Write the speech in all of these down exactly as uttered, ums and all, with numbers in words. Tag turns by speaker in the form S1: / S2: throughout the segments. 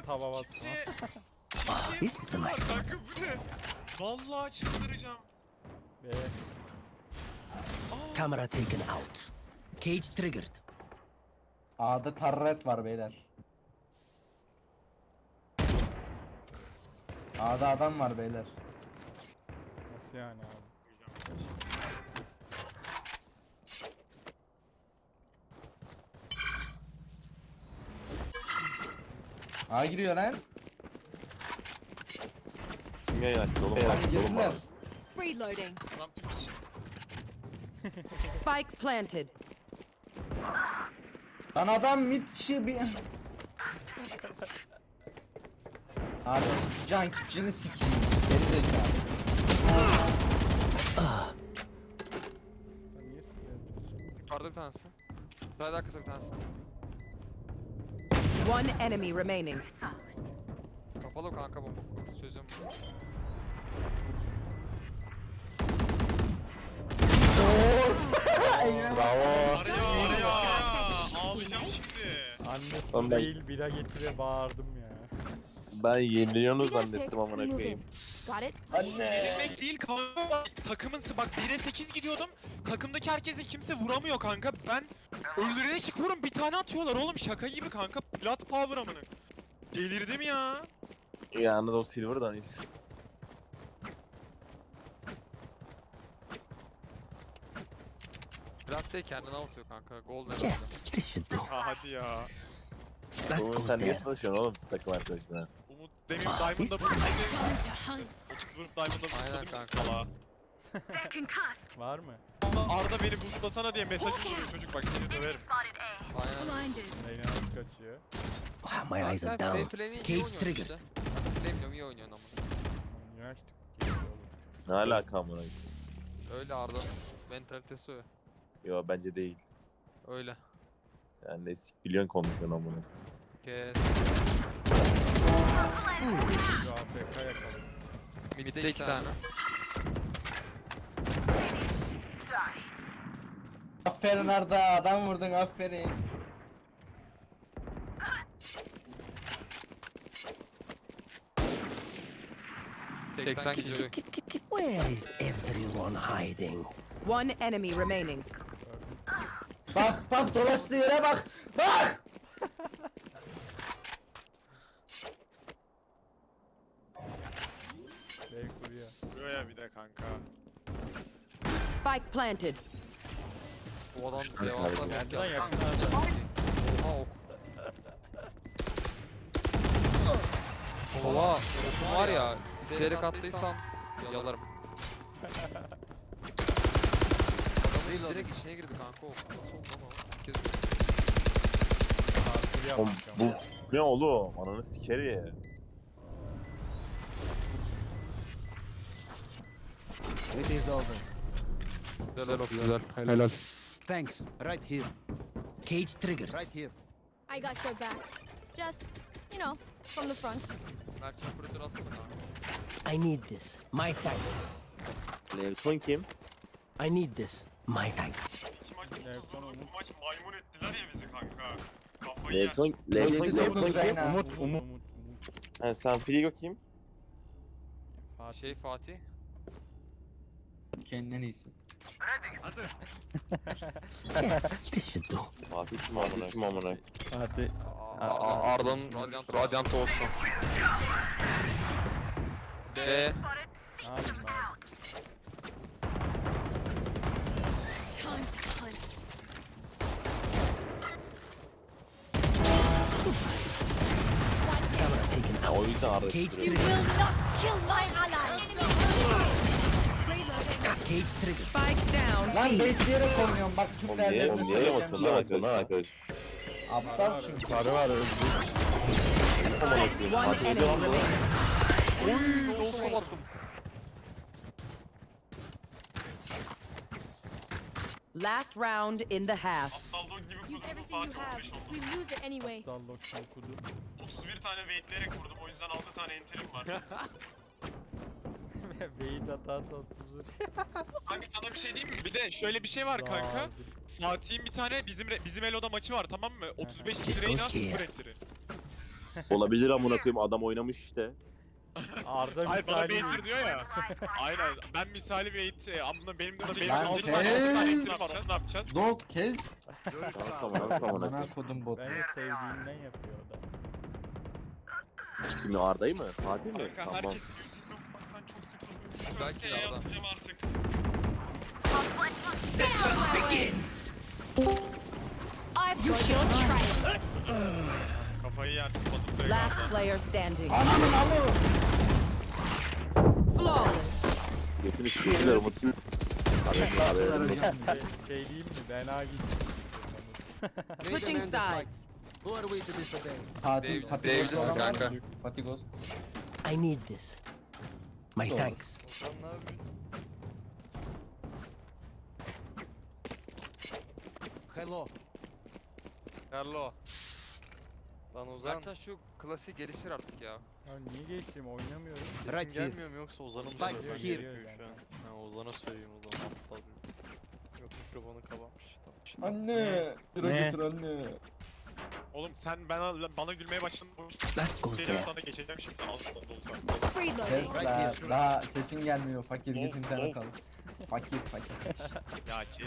S1: bak
S2: tava basma.
S1: kimseye...
S3: Ah,
S1: kimseye
S3: this is a
S1: vurdular
S3: nice
S1: kanka bu ne? Vallahi çıldıracağım.
S2: Be.
S1: Aa,
S3: Camera taken out. Cage triggered.
S4: A'da turret var beyler. A'da adam var beyler.
S2: Nasıl yani abi?
S4: A giriyor lan.
S5: Kim yayın açtı oğlum?
S4: Lan
S5: Bak, oğlum
S4: girdiler.
S5: bak.
S6: Reloading.
S1: Adam Türk için.
S6: Spike planted.
S4: Lan adam mid şi bir... Abi can kitchen'ı sikeyim. Geri zekalı.
S2: Ben niye sinirleniyorsun?
S7: Yukarıda bir tanesi. Sırada arkası bir tanesi.
S6: One enemy remaining.
S7: Kapalı kanka bomba. Sözüm.
S5: Bravo.
S1: Araya araya araya. Ağlayacağım şimdi.
S2: Annesi
S5: Oğlum ben-
S2: değil bira getire bağırdım ya.
S5: Ben yeniliyorsunuz zannettim amına koyayım.
S6: Got it?
S1: Yenilmek değil kanka. Takımın bak bire sekiz gidiyordum. Takımdaki herkese kimse vuramıyor kanka. Ben öldürene çıkıyorum bir tane atıyorlar oğlum şaka gibi kanka. Plat power amına. Delirdim ya.
S5: Yalnız o silver'dan iz.
S7: Plat değil kendini avutuyor kanka. Golden.
S3: Yes, this should do.
S1: Ha hadi ya.
S3: That
S5: Oğlum
S3: goes
S5: sen niye
S3: there.
S5: çalışıyorsun oğlum takım arkadaşına?
S1: Umut demin
S3: Ah,
S1: Diamond'da
S3: biz-
S1: vurdu. Otuz vurup Diamond'da
S7: Aynen
S1: vurdu
S7: kanka.
S1: salağa.
S2: Var mı?
S1: Arda beni boostlasana diye mesaj vuruyor çocuk bak seni döverim.
S7: Aynen.
S2: Reyna nasıl kaçıyor?
S3: Wow, my eyes are
S7: Sen
S3: down.
S7: Flame'i iyi
S3: Cage
S7: oynuyorsun
S3: triggered.
S7: işte. Flame iyi oynuyorsun ama.
S2: Niye açtık? Geliyor oğlum.
S5: Ne alaka amına koyayım?
S7: Öyle Arda'nın mentalitesi öyle.
S5: Yo bence değil.
S7: Öyle.
S5: Yani ne sik biliyorsun konuşuyorsun amına.
S7: Kes.
S2: Şu A F K yakalım.
S7: Mid'de iki tane.
S4: Aferin Arda adam vurdun aferin.
S7: seksen kilo.
S3: Where is everyone hiding?
S6: One enemy remaining.
S4: Bak bak dolaştığı yere bak. Bak.
S2: Bey kuruyor.
S1: Vuruyor ya bir de kanka.
S6: Spike planted.
S7: Bu adam
S5: Kanka,
S7: devasa
S2: geldi
S7: bir
S2: lan
S7: yaptı.
S2: yakın
S7: Oha ok. Oha okum var ya. Seyrek attıysan yalarım. Adam direkt içine girdi kanka ok. Nasıl oldu ama? İlk kez gördüm.
S2: Kuruyor
S5: Oğlum
S2: kanka.
S5: bu ne oğlum? Ananı siker ya.
S3: It is over.
S7: Güzel ok güzel. Helal.
S3: Thanks. Right here. Cage triggered. Right here.
S8: I got your backs. Just, you know, from the front.
S7: Mert'in operatör aslında kanka.
S3: I need this. My thanks.
S5: Nelson kim?
S3: I need this. My thanks.
S1: İki maç
S2: Evet,
S1: otuz
S2: sonra
S1: vurdu,
S2: Umut.
S1: bu maç maymun ettiler ya bizi kanka. Kafayı yersin.
S5: Nelson, Nelson,
S4: Yedi
S5: Nelson
S4: vurdu
S5: kim?
S4: Reyna.
S2: Umut, Umut, Umut, Umut.
S5: Ha, sen Frigo kim?
S2: Fatih.
S7: Şey Fatih.
S4: Kendinden iyisi.
S3: Yes, this should do.
S5: Fatih kim amına? Kim amına?
S2: Fatih.
S7: Arda'nın Radiant olsun. B.
S2: Ne yapayım abi?
S8: Time to hunt.
S3: Camera taken
S5: Ha, o
S3: out.
S5: yüzden Arda
S3: Cage
S5: çıkıyor.
S8: You
S3: triggered.
S8: will not kill my ally.
S3: Cage triggered.
S6: Spike down.
S4: Lan
S6: B.
S4: besleyerek oynuyorum bak
S5: Oğlum
S4: Türkler
S5: niye, oğlum niye yamatıyorsun lan atıyorsun lan arkadaş?
S4: Aptal çünkü.
S5: Sarı var öldü. Amına koyayım.
S6: One
S5: Fatih
S6: enemy
S5: öldü lan bu.
S6: remaining.
S7: Oy, olsa attım.
S6: Last round in the half.
S1: Aptal dog gibi
S8: Use
S1: kurdum
S8: everything you
S1: Fatih
S8: have.
S1: on beş oldu.
S8: We lose it anyway.
S2: Dallok okudu.
S1: otuz bir tane waitleyerek vurdum o yüzden altı tane enterim var.
S2: Beyit hata otuz bir.
S1: Kanka sana bir şey diyeyim mi? Bir de şöyle bir şey var kanka.
S2: Dağıldı.
S1: Fatih'in bir tane bizim bizim Elo'da maçı var tamam mı? otuz beş
S3: This
S1: kill Reyna
S3: goes here.
S1: sıfır enteri.
S5: Olabilir amına koyayım, adam oynamış işte.
S2: Arda
S1: Hayır bana
S2: misali
S1: baitir diyor ya. Aynen ben misali bait e, amına benim de benim
S4: Lan
S1: altı tane altı tane
S4: kes.
S1: baitim var onu ne yapacağız?
S4: Dog kes.
S5: Tamam tamam tamam.
S4: Bana kodum bot.
S2: Bence sevdiğinden yapıyor o da.
S5: Kimi Arda'yı mı? Fatih mi?
S1: Kanka
S5: Tamam.
S1: herkes yüzünü okumaktan çok sıkıldım.
S7: Belki
S1: Kimseye
S7: de adam.
S1: atacağım artık.
S8: I've got your trail.
S1: Kafayı yersin Battle
S6: Last
S1: Fragrance'dan.
S6: player standing.
S4: Ananın amı.
S6: Flawless.
S5: Götünü sıkıyorlar Umut'un. Haberin haberin.
S2: Şey, şey diyeyim mi? Ben A gittim istiyorsanız.
S6: Switching sides.
S3: Who are we to disobey?
S4: Fatih,
S7: Dave-
S4: Fatih
S7: Dave'desin
S4: Ghost olan var mı?
S7: kanka.
S4: Fatih Ghost.
S3: I need this. My
S4: Doğru.
S3: thanks. Hello.
S7: Hello.
S9: Lan Ozan
S7: Zaten şu klasik gelişir artık ya.
S2: Ya niye geçeyim oynamıyorum.
S9: sesin
S3: Right here.
S9: gelmiyor mu yoksa Ozan'a mı
S3: Spike
S9: söylemem
S2: here.
S9: gerekiyor şu an? Ha Ozan'a söyleyeyim o zaman aptal bir. Yok mikrofonu kapamış tamam. İşte.
S4: Anne. Şuraya
S2: Ne?
S4: götür anne.
S1: Oğlum sen bana, bana gülmeye başladın.
S3: That goes
S1: Benim
S3: there.
S1: sana geçeceğim şimdi altından dolsa.
S8: Free
S4: Kes
S8: loading.
S4: la. Daha sesin gelmiyor. Fakir
S1: Lol,
S4: git internet
S1: lol.
S4: kal. Fakir fakir.
S1: Ya kes.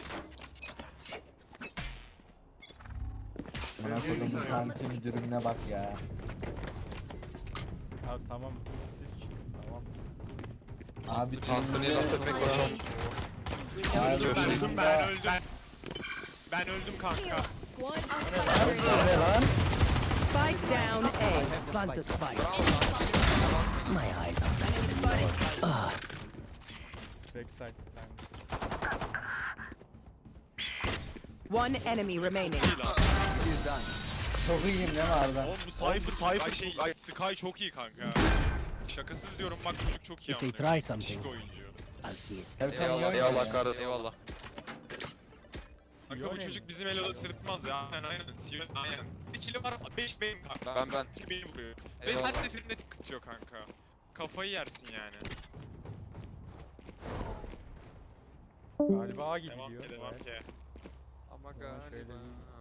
S4: Bana kodum bu santim dürümüne bak ya.
S2: Ya tamam siz çıkın tamam.
S4: Abi
S7: Anthony'ye laf etmek başım.
S4: Abi
S1: Ben öldüm
S4: dürümde-
S1: ben öldüm. Ben öldüm kanka.
S8: Squad
S4: Ne lan?
S6: Spike down A.
S3: Plant the spike. My eyes are
S2: Backside bir tanesi.
S6: One enemy remaining.
S1: İyi lan.
S4: Çok iyiyim değil mi Arda?
S1: Oğlum bu Cypher Cypher şey ay, Sky çok iyi kanka. Şakasız diyorum bak çocuk çok iyi
S3: If they
S1: amına.
S3: try something.
S1: Şık oyuncu.
S3: I'll see it.
S4: Serkan iyi
S7: Eyvallah,
S4: oynuyor
S7: eyvallah
S4: ya.
S7: kardeşim, eyvallah.
S1: Kanka bu çocuk bizim eloda sırıtmaz ya. Aynen aynen. Sion aynen. Bir kilo var beş benim kanka.
S7: Ben ben.
S1: beş beni vuruyor. Ve
S7: Eyvallah.
S1: her seferinde tıkıtıyor kanka. Kafayı yersin yani.
S2: Galiba A gibi
S1: Devam
S2: diyor.
S1: ki devam
S2: Evet.
S1: ki.
S7: Ama
S2: Zaman şöyle
S7: galiba.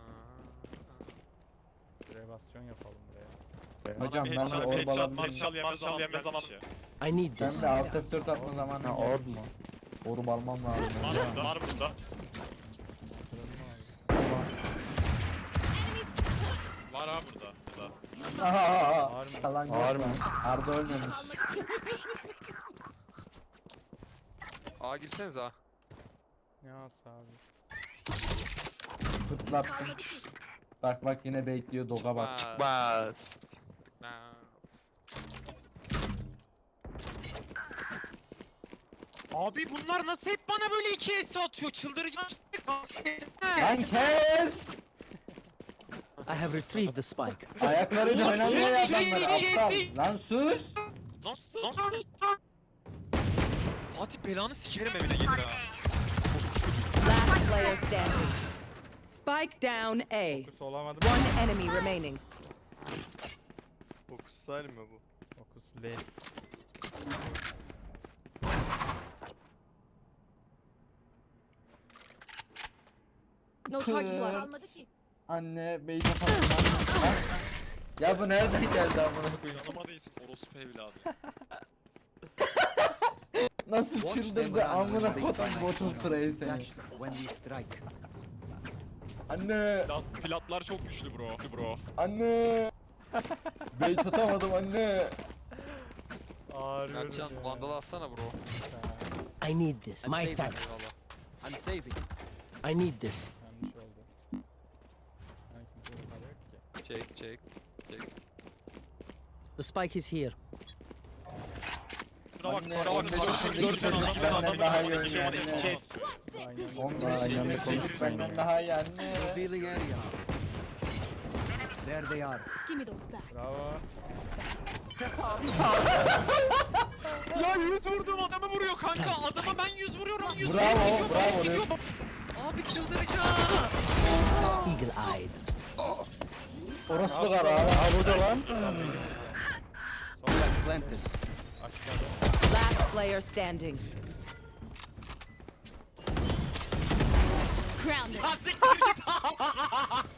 S2: Revasyon yapalım buraya.
S4: Hocam
S1: Bir
S4: ben de
S1: headshot, bir headshot,
S4: orbalandım.
S1: marshal yemez zaman yemez zaman.
S3: I need
S4: Ben
S3: this.
S4: de alt F dört atma zamanı. Ha orb mu? Orb almam lazım.
S1: Var burada var burada. Var ha burada. burada.
S4: Aha aha.
S2: Var mı?
S4: Kalan
S2: Var
S4: yok
S2: mı?
S4: lan. Arda ölmemiş.
S7: Aa girseniz ha.
S2: Ne as abi.
S4: Fırtlattım. Bak bak yine bekliyor doga bak.
S7: Çıkmaz. Çıkmaz.
S1: Abi bunlar nasıl hep bana böyle iki S atıyor? Çıldıracağım şimdi.
S4: Lan kes!
S3: I have retrieved the spike.
S4: Ayaklarıyla
S1: Oğlum,
S4: oynamıyor
S1: sus,
S4: adamlar
S1: şey,
S4: aptal.
S1: şey.
S4: Lan sus!
S1: Lan lan. Fatih belanı sikerim evine gelir ha.
S6: Last player standing. Spike down A.
S2: Fokus olamadım.
S6: One enemy remaining.
S9: Fokus style mi bu?
S2: Fokus less.
S8: No charges left.
S4: Anne bey kafasına. Ya bu nereden geldi amına koyayım?
S1: Yanıma değilsin orospu evladı.
S4: Nasıl
S3: Watch them
S4: çıldırdı
S3: run
S4: amına
S3: when they
S4: kodum
S3: find my
S4: botun
S3: signal.
S4: sırayı seni.
S3: That's when we strike.
S4: Anne!
S1: Plat, platlar çok güçlü bro. Bro.
S4: Anne! Bey tutamadım anne!
S2: Ağrıyor.
S7: Mertcan vandalı atsana bro.
S3: I need this.
S4: I'm
S3: My
S4: saving.
S3: thanks.
S7: Eyvallah.
S3: I'm saving. I need this.
S2: Yanlış oldu. Ben kimseye para yok ki.
S7: Çek çek. Çek.
S3: The spike is here.
S1: Şuna bak,
S4: Anne,
S1: şuna bak.
S4: anne,
S1: Dört tane
S4: anne,
S1: adamsın,
S4: anne,
S1: adamın
S4: daha
S1: önüne
S4: iyi
S1: geçemez,
S4: oynuyor,
S1: iki
S4: anne.
S1: S.
S2: Aynen.
S4: On numara yanlış konuş benden daha iyi anne.
S3: Revealing area. There they are.
S8: Give me those back.
S2: Bravo.
S1: Ya yüz vurduğum adamı vuruyor kanka. Adama ben yüz vuruyorum. Yüz
S4: Bravo,
S1: vuruyor, gidiyor,
S4: bravo,
S1: gidiyor.
S4: Rex.
S1: Abi çıldıracağım.
S3: Eagle eyed.
S4: Orospu kara abi. Ha burada lan.
S2: Sonra
S3: Planted.
S2: aşağıda.
S6: Last player standing.
S8: Grounded.
S1: Ha siktir git.